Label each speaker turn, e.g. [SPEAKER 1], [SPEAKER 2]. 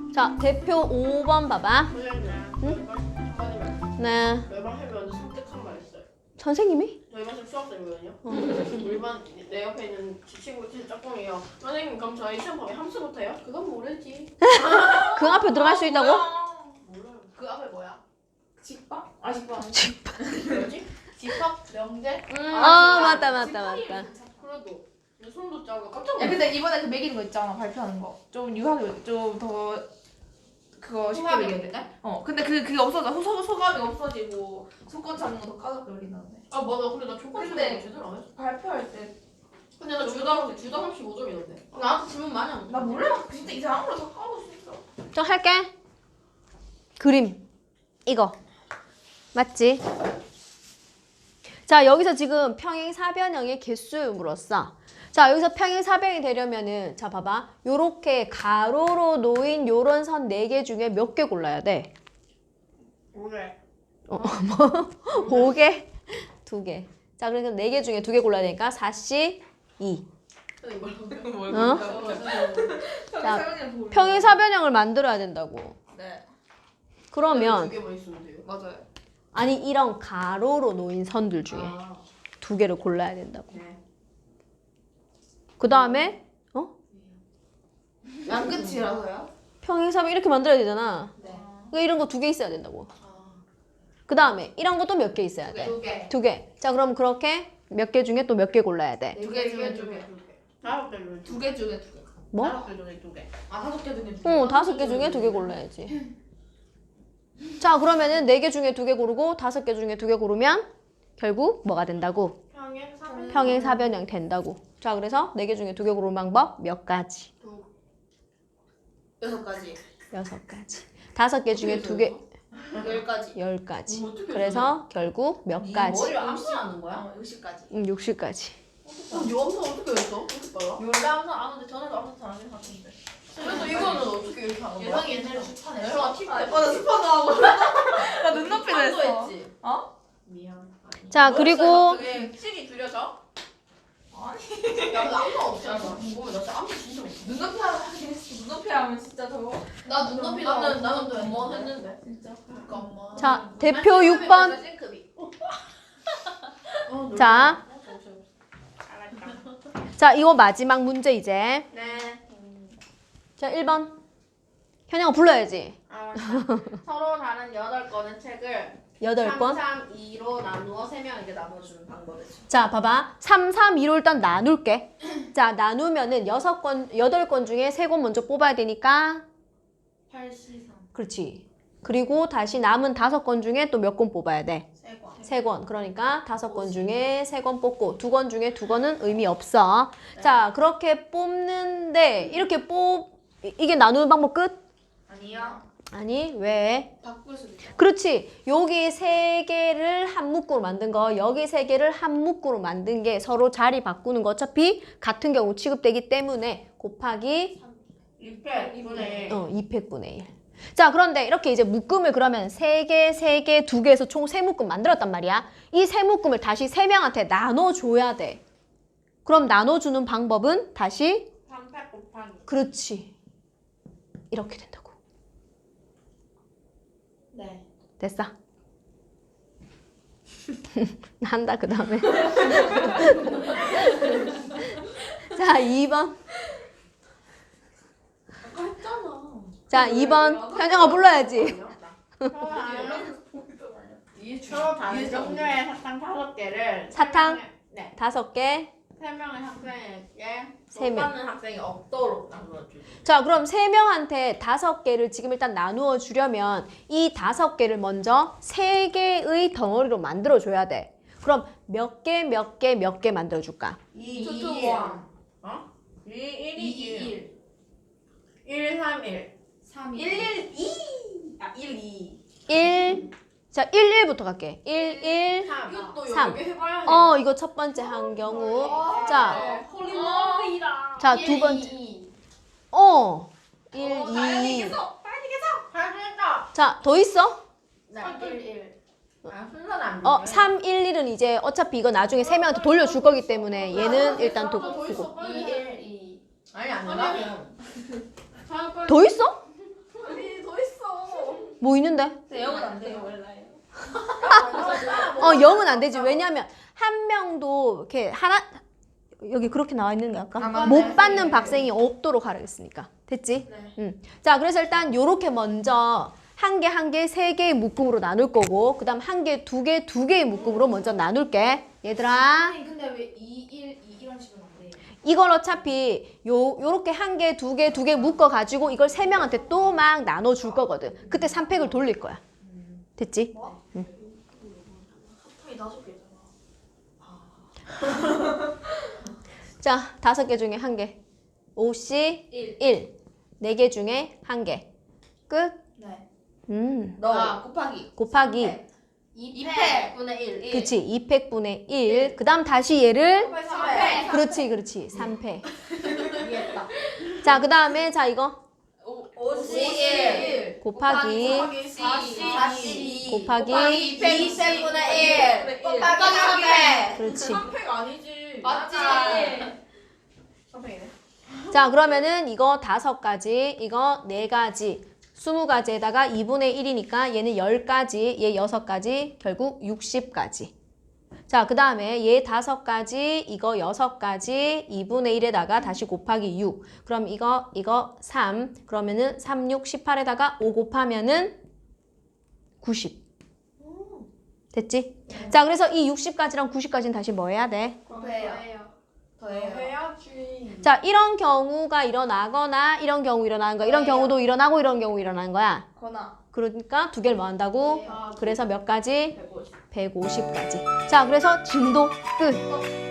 [SPEAKER 1] 자, 대표 5번 봐봐.
[SPEAKER 2] 응? 잠깐만요.
[SPEAKER 1] 네.
[SPEAKER 2] 매번 해면 선택한 말 있어요.
[SPEAKER 1] 선생님이?
[SPEAKER 2] 저희 반생 수학생이거든요. 우리 반 내 옆에 있는 제 친구 제 짝꿍이요. 선생님 그럼 저희 시험 범위 함수 못해요? 그건 모르지.
[SPEAKER 1] 그 앞에 들어갈 수 있다고?
[SPEAKER 2] 몰라요. 그 앞에 뭐야?
[SPEAKER 3] 집밥? 아 집밥.
[SPEAKER 2] 뭐지? 집합 명제?
[SPEAKER 1] 맞다.
[SPEAKER 2] 그래도 내 손도 작아. 깜짝
[SPEAKER 3] 야
[SPEAKER 2] 놀랐어.
[SPEAKER 3] 근데 이번에 그 매기는 거 있잖아 발표하는 거. 좀 유학을 좀 더 그거 쉽게
[SPEAKER 2] 소감이
[SPEAKER 3] 매겨야 돼. 근데 그게 없어져. 소감이 없어지고 소권 잡는 거 더 까다롭게 매긴다는데.
[SPEAKER 2] 아 맞아. 근데 나 초반에
[SPEAKER 3] 근데-
[SPEAKER 2] 제대로 안 했어.
[SPEAKER 3] 발표할 때 나
[SPEAKER 2] 근데 나 주당 35점이던데. 나한테 질문 많이 안 줘.
[SPEAKER 3] 몰라. 진짜 이상한 걸다 까먹을 수 있어.
[SPEAKER 1] 저 할게. 그림. 이거. 맞지? 자, 여기서 지금 평행사변형의 개수 물었어. 자, 여기서 평행사변이 되려면은 자, 봐봐. 요렇게 가로로 놓인 요런 선 4개 중에 몇 개 골라야 돼?
[SPEAKER 2] 그래.
[SPEAKER 1] 5개? 2개. 자, 그러니까 4개 중에 2개 골라야 되니까 4씨 2.
[SPEAKER 2] 선생님
[SPEAKER 3] 뭘
[SPEAKER 1] 어? 자, 평행사변형을 만들어야 된다고.
[SPEAKER 3] 네.
[SPEAKER 1] 그러면
[SPEAKER 2] 두 개만 있으면 돼요.
[SPEAKER 3] 맞아요.
[SPEAKER 1] 아니 이런 가로로 놓인 선들 중에
[SPEAKER 2] 아,
[SPEAKER 1] 2개를 골라야 된다고.
[SPEAKER 2] 네.
[SPEAKER 1] 그 다음에
[SPEAKER 3] 양끝이라서요?
[SPEAKER 1] 평행사변 이렇게 만들어야 되잖아.
[SPEAKER 3] 네.
[SPEAKER 1] 그러니까 이런 거 2개 있어야 된다고.
[SPEAKER 2] 아,
[SPEAKER 1] 그 다음에 이런 것도 몇 개 있어야 돼?
[SPEAKER 3] 2개.
[SPEAKER 1] 2개. 자, 그럼 그렇게 몇 개 중에 또 몇 개 골라야 돼?
[SPEAKER 3] 2개 중에 2개.
[SPEAKER 2] 5개 중에
[SPEAKER 3] 2개 중에 2개.
[SPEAKER 1] 뭐?
[SPEAKER 2] 5개 중에 2개.
[SPEAKER 3] 아 5개 중에 2개.
[SPEAKER 1] 5개 중에 2개 골라야지. 자, 그러면은 4개 중에 2개 고르고 5개 중에 2개 고르면 결국 뭐가 된다고?
[SPEAKER 2] 평행사변.
[SPEAKER 1] 평행사변형 된다고. 자, 그래서 4개 중에 2개 고르는 방법 몇 가지?
[SPEAKER 3] 6가지.
[SPEAKER 1] 6가지. 5개 중에 2개,
[SPEAKER 3] 10가지.
[SPEAKER 1] 10가지.
[SPEAKER 2] 어떻게
[SPEAKER 1] 그래서 결국 몇 가지?
[SPEAKER 2] 머리를 암시하는 거야?
[SPEAKER 3] 60가지.
[SPEAKER 1] 60가지.
[SPEAKER 2] 요 암사 어떻게 했어? 이렇게 빨라?
[SPEAKER 3] 원래 항상 아는데 저는 항상 잘하는 것 같은데.
[SPEAKER 2] 그래서 이거는 어떻게 이렇게 하는 거야?
[SPEAKER 3] 예상이 옛날에 수판에.
[SPEAKER 2] 내가 팁
[SPEAKER 3] 나 스파도 하고. 나 눈높이도
[SPEAKER 2] 판도
[SPEAKER 3] 했어.
[SPEAKER 2] 했지?
[SPEAKER 3] 어?
[SPEAKER 2] 미안. 아니.
[SPEAKER 1] 자, 그리고
[SPEAKER 2] 갑자기 실이 줄여져?
[SPEAKER 3] 아니.
[SPEAKER 2] 야, 근데 암사 없지 않아? 궁금해. 나 진짜 암사 진짜 없어.
[SPEAKER 3] 눈높이 하긴 했어. 눈높이 하면 진짜 저거.
[SPEAKER 2] 나 눈높이 나는 두번 했는데.
[SPEAKER 3] 진짜.
[SPEAKER 2] 잠깐만.
[SPEAKER 1] 자, 대표 6번.
[SPEAKER 2] 싱크비.
[SPEAKER 1] 자. 자, 이거 마지막 문제 이제.
[SPEAKER 2] 네.
[SPEAKER 1] 자, 1번. 현영아 불러야지.
[SPEAKER 2] 서로 다른 8권의 책을
[SPEAKER 1] 8번.
[SPEAKER 2] 3, 3, 2로 나누어 3명에게 나눠주는 방법이죠.
[SPEAKER 1] 자, 봐봐. 3, 3, 2로 일단 나눌게. 자, 나누면은 8권 중에 3권 먼저 뽑아야 되니까.
[SPEAKER 3] 8C3.
[SPEAKER 1] 그렇지. 그리고 다시 남은 5권 중에 또 몇 권 뽑아야 돼?
[SPEAKER 3] 3권.
[SPEAKER 1] 3권. 그러니까 5권 중에 3권 뽑고 2권 중에 2권은 의미 없어. 자, 그렇게 뽑는데 이렇게 이게 나누는 방법 끝?
[SPEAKER 3] 아니요.
[SPEAKER 1] 아니, 왜?
[SPEAKER 3] 바꿀 수도 있어.
[SPEAKER 1] 그렇지. 여기 3개를 한 묶으로 만든 거, 여기 3개를 한 묶으로 만든 게 서로 자리 바꾸는 거 어차피 같은 경우 취급되기 때문에 곱하기
[SPEAKER 2] 2패
[SPEAKER 1] 2팩분의 1. 자, 그런데 이렇게 이제 묶음을 그러면 3개, 3개, 2개에서 총 3묶음 만들었단 말이야. 이 3묶음을 다시 3명한테 나눠줘야 돼. 그럼 나눠주는 방법은 다시
[SPEAKER 2] 3패 곱하기.
[SPEAKER 1] 그렇지. 이렇게 된다고.
[SPEAKER 2] 네.
[SPEAKER 1] 됐어? 한다, 그 다음에. 자, 2번.
[SPEAKER 2] 아까 했잖아.
[SPEAKER 1] 자, 2번. 현정아 불러야지.
[SPEAKER 2] 서로 다른 종류의 사탕 5개를
[SPEAKER 1] 사탕?
[SPEAKER 2] 네.
[SPEAKER 1] 5개.
[SPEAKER 2] 3명의 학생에게
[SPEAKER 1] 세 명.
[SPEAKER 2] 못받는 학생이 없도록 나눠주기.
[SPEAKER 1] 자, 그럼 3명한테 5개를 지금 일단 나누어 주려면 이 5개를 먼저 3개의 덩어리로 만들어 줘야 돼. 그럼 몇 개 만들어 줄까?
[SPEAKER 2] 2,
[SPEAKER 3] 2,
[SPEAKER 2] 2, 어? 2, 1, 2, 1, 3, 1.
[SPEAKER 3] 3,
[SPEAKER 2] 1, 1, 2. 아, 1, 2.
[SPEAKER 1] 1. 자, 1, 1부터 갈게. 1, 1.
[SPEAKER 2] 3. 이것도
[SPEAKER 1] 삼.
[SPEAKER 2] 여기 해봐야 해.
[SPEAKER 1] 이거 첫 번째 한 경우. 자,
[SPEAKER 3] 홀리머리다.
[SPEAKER 1] 자, 두 번째.
[SPEAKER 2] 2.
[SPEAKER 1] 1, 2.
[SPEAKER 2] 할수 있다.
[SPEAKER 1] 자, 더 있어?
[SPEAKER 2] 네, 1, 1. 아, 순서는 안 돼.
[SPEAKER 1] 3, 1, 1은 이제 어차피 이거 나중에 3명한테 돌려줄 거기 때문에 얘는 일단
[SPEAKER 2] 더
[SPEAKER 1] 두고.
[SPEAKER 2] 있어. 2, 1, 2. 아니, 안 돼.
[SPEAKER 1] 더 있어? 뭐 있는데?
[SPEAKER 3] 영은 안 돼요.
[SPEAKER 2] 몰라요.
[SPEAKER 1] 0은 안 되지. 왜냐면 한 명도 이렇게 하나 여기 그렇게 나와 있는 게 아까
[SPEAKER 3] 아, 맞네.
[SPEAKER 1] 못 받는 박생이 없도록 하라겠으니까. 됐지?
[SPEAKER 2] 네.
[SPEAKER 1] 자, 그래서 일단 요렇게 먼저 한 개, 한 개, 세 개의 묶음으로 나눌 거고 그다음 한 개, 두 개, 두 개의 묶음으로 먼저 나눌게. 얘들아.
[SPEAKER 3] 근데 왜 2, 1, 2 이런 식으로 안 돼요?
[SPEAKER 1] 이걸 어차피 요렇게 한 개, 두 개, 두 개 묶어 가지고 이걸 세 명한테 또 막 나눠 줄 거거든. 그때 3팩을 돌릴 거야. 됐지?
[SPEAKER 2] 합탕이 5개잖아.
[SPEAKER 1] 자, 5개 중에 한 개. 5씨 1. 4개 중에 한 개. 끝.
[SPEAKER 3] 네.
[SPEAKER 2] 곱하기.
[SPEAKER 1] 곱하기.
[SPEAKER 2] 2팩분의 1.
[SPEAKER 1] 그치. 2팩분의 1. 그 다음 다시 얘를
[SPEAKER 2] 3팩.
[SPEAKER 1] 그렇지, 그렇지. 3팩.
[SPEAKER 3] 이해했다.
[SPEAKER 1] 자, 그 다음에 자 이거
[SPEAKER 2] 5C1
[SPEAKER 1] 곱하기
[SPEAKER 2] 4C
[SPEAKER 1] 곱하기
[SPEAKER 2] 2팩분의 1 곱하기 3팩.
[SPEAKER 1] 그렇지.
[SPEAKER 2] 3팩 아니지.
[SPEAKER 3] 맞지?
[SPEAKER 2] 3팩이네.
[SPEAKER 1] 자, 그러면은 이거 5가지, 이거 4가지, 20가지에다가 2분의 1이니까 얘는 10가지, 얘 6가지, 결국 60가지. 자, 그 다음에 얘 5가지, 이거 6가지, 2분의 1에다가 다시 곱하기 6. 그럼 이거 3. 그러면은 3, 6, 18에다가 5 곱하면은 90. 됐지? 자, 그래서 이 60가지랑 90가지는 다시 뭐 해야 돼?
[SPEAKER 3] 더해요.
[SPEAKER 2] 해야지.
[SPEAKER 1] 자, 이런 경우가 일어나거나 이런 경우 일어나는 거야. 이런 경우도 일어나고 이런 경우 일어나는 거야.
[SPEAKER 3] 거나.
[SPEAKER 1] 그러니까 두 개를 뭐 한다고?
[SPEAKER 2] 아,
[SPEAKER 1] 그래서 몇 가지?
[SPEAKER 2] 150.
[SPEAKER 1] 150가지. 자, 그래서 진도 끝.